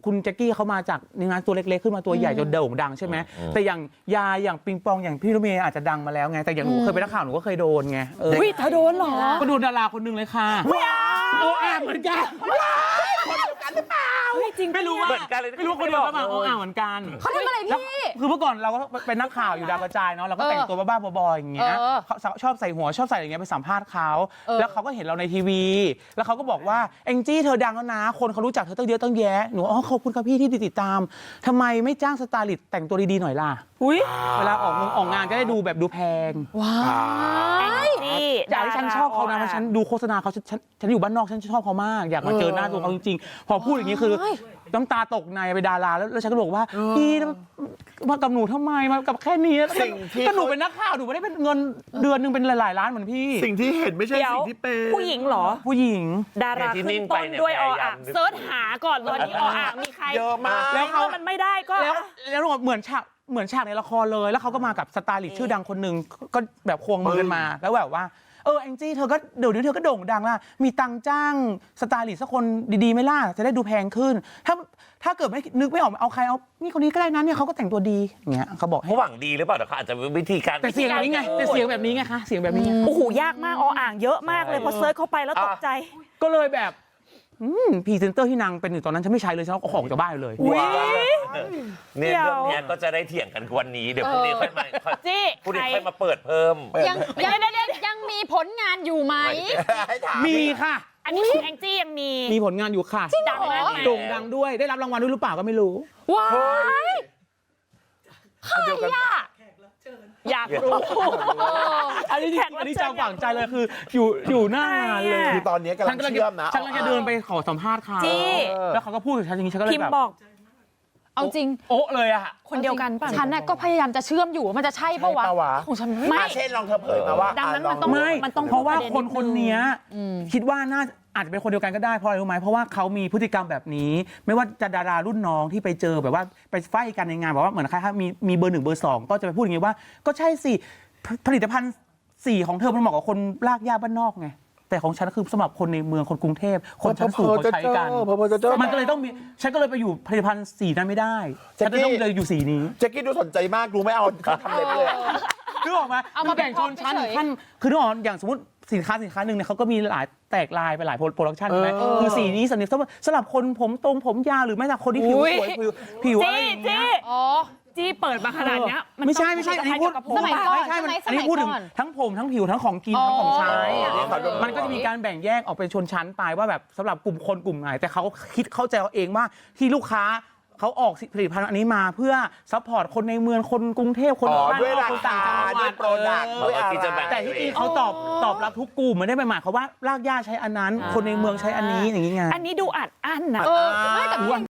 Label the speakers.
Speaker 1: คุณแจ็คกี้เขามาจากงานตัวเล็กๆขึ้นมาตัวใหญ่จนโด่งดังใช่ไหมแต่อย่างยาอย่างปิงปองอย่างพี่รถเมย์อาจจะดังมาแล้วไงแต่อย่างหนูเคยเป็นนักข่าวหนูก็เคยโดนไง
Speaker 2: วิเธอโดนเหรอ
Speaker 1: ก็โดนดาราคนนึงเลยค่ะไม่เอาเหมือนกัน
Speaker 3: คนเดียวกันหรือเปล่า
Speaker 2: จริง
Speaker 1: ไม่รู้ว่าไม่รู้คนเดียวกันมาเหมือนกัน
Speaker 2: เขาทำอะไรพี่
Speaker 1: คือเมื่อก่อนเราก็เป็นนักข่าวอยู่ดาวกระจายเนาะเราก็แต่งตัวบ้าๆบอๆอย่างเงี้ยชอบใส่หัวชอบใส่อย่างเงี้ยไปสัมภาษณ์เขาแล้วเขาก็เห็นเราในทีวีแล้วเขาก็บอกว่าแองจี้เธอดังแล้วนะคนเขารู้จักเธอตั้งเยอะตั้งแยะหนูขอบคุณครับพี่ที่ติดตามทำไมไม่จ้างสไตลิสต์แต่งตัวดีๆหน่อยล่ะเวลาออกงานจะได้ดูแบบดูแพง
Speaker 2: ว้าว
Speaker 1: อยากให้ฉันชอบเขานะเพราะฉันดูโฆษณาเขาฉันอยู่บ้านนอกฉันชอบเขามากอยากมาเจอหน้าตัวเขาจริงๆพอพูดอย่างนี้คือน้ำตาตกในไปดาราแล้วฉันก็บอกว่าพี่มากับหนูทำไมมากับแค่นี้ก็หนูเป็นนักข่าวหนูไม่ได้เป็นเงินเดือนนึงเป็นหลายๆล้านเหมือนพี่
Speaker 3: สิ่งที่เห็นไม่ใช่สิ่งที่เป็น
Speaker 2: ผู้หญิงเหรอ
Speaker 1: ผู้หญิง
Speaker 2: ดาราขึ้นต้นด้วยออ่างเซิร์ชหาก่อนตอนนี้ออ่างมีใคร
Speaker 3: เยอะมาก
Speaker 2: แล้วมันไม่ได้ก็
Speaker 1: แล้วเหมือนฉากในละครเลยแล้วเขาก็มากับสไตลิสต์ชื่อดังคนหนึ่งก็แบบควงมือกันมาแล้วแบบว่าแองจี้เธอก็เดี๋ยวนี้เธอก็โด่งดังละมีตังจ้างสไตลิสต์สักคนดีๆไม่ล่ะจะได้ดูแพงขึ้นถ้าเกิดไม่นึกไม่ออกเอาใครเอานี่คนนี้ก็ได้นะเนี่ยเขาก็แต่งตัวดีอย่างเงี้ยเขาบอก
Speaker 4: เขาหวังดีหรือเปล่าแต่เขาอาจจะวิธีการ
Speaker 1: แต่เสียงแบบนี้ไงแต่เสียงแบบนี้ไงคะเสียงแบบนี้
Speaker 2: โอ้โหยากมากอ่างเยอะมากเลยพอเซิร์ชเข้าไปแล้วตกใจ
Speaker 1: ก็เลยแบบพรีเซนเตอร์ที่นางเป็นอยู่ตอนนั้นฉันไม่ใช้เลยฉันเอาของจากบ้านเลย
Speaker 4: เนี่ยเรื่องนี้ก็จะได้เถียงกันวันนี้เดี๋ยวพรุ่งนี้ค่อยมาพรุ่งนี้ค่อยมาเปิดเพิ่ม
Speaker 5: ยังมีผลงานอยู่ไหม
Speaker 1: มีค่ะ
Speaker 2: อันนี้แองจี้ยังมี
Speaker 1: ผลงานอยู่ค่ะ
Speaker 2: ดังมาก
Speaker 1: โด่งดังด้วยได้รับรางวัลด้วยหรือเปล่าก็ไม่รู้
Speaker 2: ว้ายใครอะอยากรู้
Speaker 1: อันนี้จำฝังใจเลยคืออยู่หน้างานเลย
Speaker 3: คือตอนนี้กำลังเชื่อมนะ
Speaker 1: ฉันกำลังจะเดินไปขอสัมภาษณ์เขาแล้วเขาก็พูดกับฉันอย่างนี้ฉันก็เลยแบบ
Speaker 5: เอาจริง
Speaker 1: โอ๊ะเลยอะ
Speaker 2: คนเดียวกันป่ะ
Speaker 5: ฉันก็พยายามจะเชื่อมอยู่มันจะใช่ปะวะของฉันไม่
Speaker 3: เช่นลองเธอเผยมาว่า
Speaker 2: ดังนั้นมันต้อง
Speaker 1: เพราะว่าคนนี้คิดว่าน่าอาจจะเป็นคนเดียวกันก็ได้เพราะอะไรรู้ไหมเพราะว่าเขามีพฤติกรรมแบบนี้ไม่ว่าจะดารารุ่นน้องที่ไปเจอแบบว่าไปไฟกันในงานแบบว่าเหมือนใครมีเบอร์ 1 เบอร์ 2ก็จะไปพูดอย่างนี้ว่าก็ใช่สิผลิตภัณฑ์สีของเธอมันเหมาะกับคนลากย่าบ้านนอกไงแต่ของฉันคือสำหรับคนในเมืองคนกรุงเทพคนชั้นสูงเขาใช้กันมันก็เลยต้องมีฉันก็เลยไปอยู่ผลิตภัณฑ์สีนั้นไม่ได้ฉันต้องเลยอยู่สีนี้
Speaker 3: แจ็คกี้ดูสนใจมากดูไม่เอาทำเล็บเลย
Speaker 1: นึกออกมาเอามาแบ่งชนชั้นขั้นคือนึกออกอย่างสมมติสินค้าหนึ่งเนี่ยเขาก็มีหลายแตกลายไปหลายโปรดักชันใช่ไหมคือสีนี้สำหรับคนผมตรงผมยาวหรือไม่แต่คนที่ผิวสวยผิวอะไรอย่างเงี้ย
Speaker 2: จี้เปิดมาขนาดนี้
Speaker 1: ไม่ใช่อันนี้พูด
Speaker 5: สมัยก่อน
Speaker 1: อันนี้พูดถึงทั้งผมทั้งผิวทั้งของกินทั้งของใช้มันก็จะมีการแบ่งแยกออกเป็นชนชั้นไปว่าแบบสำหรับกลุ่มไหนแต่เขาคิดเข้าใจเองว่าที่ลูกค้าเขาออกผลิตภัณฑ์อันนี้มาเพื่อซัพพอร์ตคนในเมืองคนกรุงเทพคนบ้านนอกคนต่างจังหวัดแต่ที่จริงเขาตอบรับทุกกลุ่มไม่ได้หมายความว่ารากหญ้าใช้อันนั้นคนในเมืองใช้อันนี้อย่างนี้ไง
Speaker 2: อันนี้ดูอัดอั้นนะ
Speaker 5: ไม่แต่